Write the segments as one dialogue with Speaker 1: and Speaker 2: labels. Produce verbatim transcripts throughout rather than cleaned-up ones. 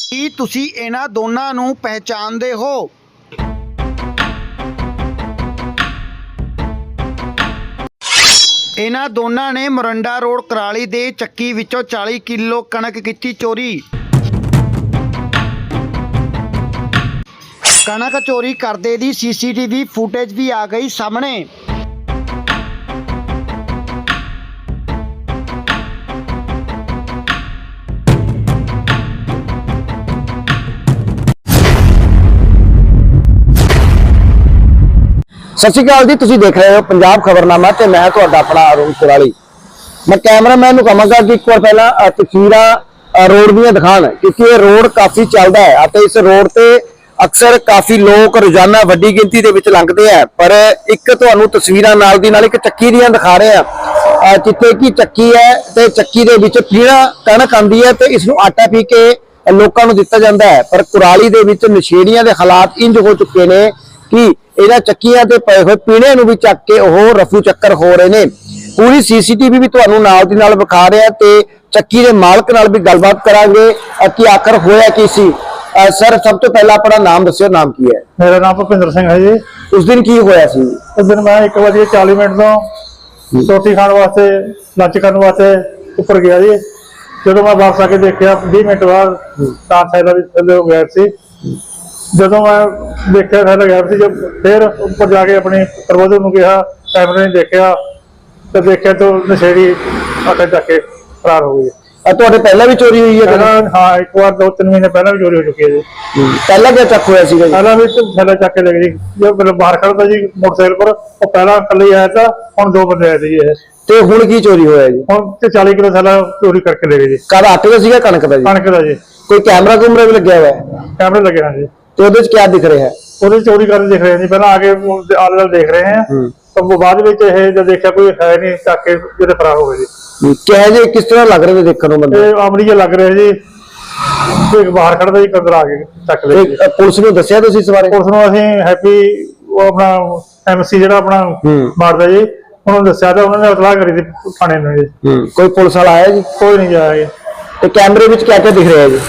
Speaker 1: ਕੀ ਤੁਸੀਂ ਇਹਨਾਂ ਦੋਨਾਂ ਨੂੰ ਪਹਿਚਾਣਦੇ ਹੋ? ਇਹਨਾਂ ਦੋਨਾਂ ਨੇ ਮੋਰਿੰਡਾ ਰੋਡ ਕੁਰਾਲੀ ਦੇ ਚੱਕੀ ਵਿੱਚੋਂ ਚਾਲੀ ਕਿਲੋ ਕਣਕ ਕੀਤੀ ਚੋਰੀ। ਕਣਕ ਚੋਰੀ ਕਰਦੇ ਦੀ ਸੀਸੀਟੀਵੀ ਫੁਟੇਜ ਵੀ ਆ ਗਈ ਸਾਹਮਣੇ।
Speaker 2: सत श्री अकाल जी, तुसीं देख रहे हो पंजाब खबरनामा ते मैं तुहाडा अपना अरुण कुराली। मैं कैमरामैन नूं कहांगा कि एक बार पहला तस्वीरां रोड दीयां दिखाण, क्योंकि ये रोड काफ़ी चलदा है अते इस रोड ते अक्सर काफ़ी लोग रोजाना वड्डी गिनती दे विच लंघदे हैं। पर एक तुहानूं तस्वीरां नाल दी नाल एक चक्की दीयां दिखा रहे हैं, जिथे कि चक्की है ते चक्की दे विच पीड़ा कणक आंदी है ते इसनूं आटा पी के लोकां नूं दित्ता जांदा है। पर कुराली दे विच नशेड़ियां दे हालात इंज हो चुके ने कि इन्हां चक्कियां ते पए होए पीणे नूं भी चक के ओह रफू चक्कर हो रहे ने। पूरी सीसीटीवी भी तुहानूं नाल दी नाल विखा रहे ते चक्की दे मालक नाल भी गलबात करांगे कि आखिर होया की सी। सर, सब तो पहला अपना नाम दस्सिओ, नाम की है?
Speaker 3: मेरा नाम भुपिंदर सिंह है जी।
Speaker 2: उस दिन की होया सी?
Speaker 3: उस दिन मैं एक बजे चालीस मिनट तो रोटी खाने वास्ते लंच करने वास्ते ऊपर गया जी। जो मैं वापस आके देखा बीस मिनट बाद तार साइड थले गया सी। जो मैं देखा थले गया सी, जब फिर ऊपर जाके अपने प्रबंधक नूं कहा, कैमरे ने देखा तो देखा तो नशेड़ी आटे चक के फरार हो गई।
Speaker 2: तुहाडे पहला भी चोरी हुई है?
Speaker 3: हाँ, एक बार दो तीन महीने पहला भी चोरी हो चुकी है जी।
Speaker 2: पहला क्या चक होया सीगा जी?
Speaker 3: पहला भी तो थैला चक के ले गई। जो मतलब बाहर खड़ा था जी मोटरसाइकिल पर, वो पहला कल ही आया था, हम दो बंदे आए थे जी।
Speaker 2: ते हुण की चोरी होया जी?
Speaker 3: हम ते चालीस किलो थैला चोरी करके ले गए जी।
Speaker 2: कद आटे का सीगा कणक दा जी?
Speaker 3: कणक दा जी।
Speaker 2: कोई कैमरा कुमरा भी लग्या हुआ है?
Speaker 3: कैमरे लगे हैं जी।
Speaker 2: तो उहदे च क्या दिख रहा है?
Speaker 3: ਉਹਦੇ ਚੋਰੀ ਕਰਦੇ ਦਿਖ ਰਹੇ ਜੀ। ਪਹਿਲਾਂ ਆਗੇ ਆਲੇ ਨਾਲ ਦੇਖ ਰਹੇ हैं, तो ਬਾਅਦ ਵਿੱਚ ਇਹ ਜਦ ਦੇਖਿਆ ਕੋਈ ਹੈ ਨਹੀਂ, ਚੱਕ ਕੇ ਜਿਹੜੇ ਫਰਾਰ ਹੋ ਗਏ ਜੀ।
Speaker 2: ਕਿਹੋ ਜਿਹੇ ਕਿਸ ਤਰ੍ਹਾਂ ਲੱਗ ਰਹੇ ਨੇ ਦੇਖਣ ਨੂੰ ਬੰਦੇ?
Speaker 3: ਇਹ ਆਮਰੀ ਜਿਹਾ ਲੱਗ ਰਿਹਾ ਜੀ। ਕੋਈ ਬਾਹਰ ਖੜਦਾ ਜੀ, ਅੰਦਰ ਆ ਕੇ ਚੱਕ ਲਿਆ ਜੀ।
Speaker 2: ਪੁਲਿਸ ਨੂੰ ਦੱਸਿਆ ਤੁਸੀਂ ਇਸ ਬਾਰੇ?
Speaker 3: ਪੁਲਿਸ ਨੂੰ ਅਸੀਂ ਹੈਪੀ ਉਹ ਆਪਣਾ ਐਮਸੀ ਜਿਹੜਾ ਆਪਣਾ ਮਾਰਦਾ ਜੀ, ਉਹਨਾਂ ਨੂੰ ਦੱਸਿਆ ਤਾਂ ਉਹਨਾਂ ਨੇ ਇਤਲਾਹ ਕਰੀ ਸੀ ਥਾਣੇ ਨੂੰ ਜੀ।
Speaker 2: ਕੋਈ ਪੁਲਿਸ ਵਾਲਾ ਆਇਆ ਜੀ?
Speaker 3: ਕੋਈ ਨਹੀਂ ਆਇਆ ਜੀ।
Speaker 2: ਤੇ ਕੈਮਰੇ ਵਿੱਚ ਕਿਆ ਕਿਆ ਦਿਖ ਰਿਹਾ ਜੀ?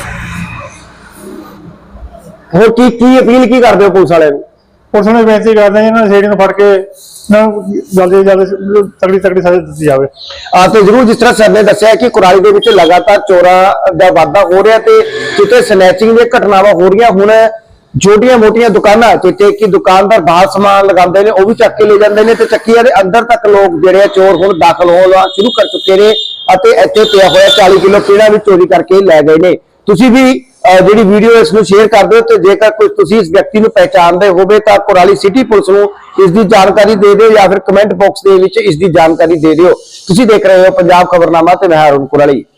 Speaker 2: ਹੋਰ ਕੀ ਕੀ ਅਪੀਲ ਕੀ ਕਰਦੇ ਹੋ ਪੁਲਿਸ ਵਾਲਿਆਂ ਨੂੰ?
Speaker 3: ਪੁਲਿਸ ਨੂੰ ਬੇਨਤੀ ਕਰਦੇ ਜੀ, ਇਹਨਾਂ ਨਸ਼ੇੜੀ ਨੂੰ ਫੜ ਕੇ ਜਲਦੀ ਜਲਦੀ ਤਗੜੀ ਤਗੜੀ ਸਜ਼ਾ ਦਿੱਤੀ ਜਾਵੇ।
Speaker 2: ਆ ਤੇ ਜ਼ਰੂਰ, ਜਿਸ ਤਰ੍ਹਾਂ ਸਰ ਨੇ ਦੱਸਿਆ ਕਿ ਕੁਰਾਲੀ ਦੇ ਵਿੱਚ ਲਗਾਤਾਰ ਚੋਰਾਂ ਦਾ ਵਾਧਾ ਹੋ ਰਿਹਾ ਤੇ ਜਿੱਥੇ ਸਨੈਚਿੰਗ ਦੀਆਂ ਘਟਨਾਵਾਂ ਹੋ ਰਹੀਆਂ, ਹੁਣ ਛੋਟੀਆਂ ਮੋਟੀਆਂ ਦੁਕਾਨਾਂ ਜਿੱਥੇ ਕਿ ਦੁਕਾਨਦਾਰ ਬਾਹਰ ਸਮਾਨ ਲਗਾਉਂਦੇ ਨੇ ਉਹ ਵੀ ਚੱਕ ਕੇ ਲੈ ਜਾਂਦੇ ਨੇ ਤੇ ਚੱਕੀਆਂ ਦੇ ਅੰਦਰ ਤੱਕ ਲੋਕ ਜਿਹੜੇ ਆ ਚੋਰ ਹੁਣ ਦਾਖਲ ਹੋਣਾ ਸ਼ੁਰੂ ਕਰ ਚੁੱਕੇ ਨੇ ਅਤੇ ਇੱਥੇ ਪਿਆ ਹੋਇਆ ਚਾਲੀ ਕਿਲੋ ਪੀੜਾ ਵੀ ਚੋਰੀ ਕਰਕੇ ਲੈ ਗਏ ਨੇ। ਤੁਸੀਂ ਵੀ ਜਿਹੜੀ ਵੀਡੀਓ ਇਸ ਨੂੰ ਸ਼ੇਅਰ ਕਰ ਦਿਓ ਤੇ ਜੇਕਰ ਕੋਈ ਤੁਸੀਂ ਇਸ ਵਿਅਕਤੀ ਨੂੰ ਪਹਿਚਾਣਦੇ ਹੋਵੇ ਤਾਂ ਕੁਰਾਲੀ ਸਿਟੀ ਪੁਲਿਸ ਨੂੰ ਇਸ ਦੀ ਜਾਣਕਾਰੀ ਦੇ ਦਿਓ ਜਾਂ ਫਿਰ ਕਮੈਂਟ ਬਾਕਸ ਦੇ ਵਿੱਚ ਇਸ ਦੀ ਜਾਣਕਾਰੀ ਦੇ ਦਿਓ। ਤੁਸੀਂ ਦੇਖ ਰਹੇ ਹੋ ਪੰਜਾਬ ਖਬਰਨਾਮਾ ਤੇ ਮੈਂ ਅਰੁਣ ਕੁਰਾਲੀ।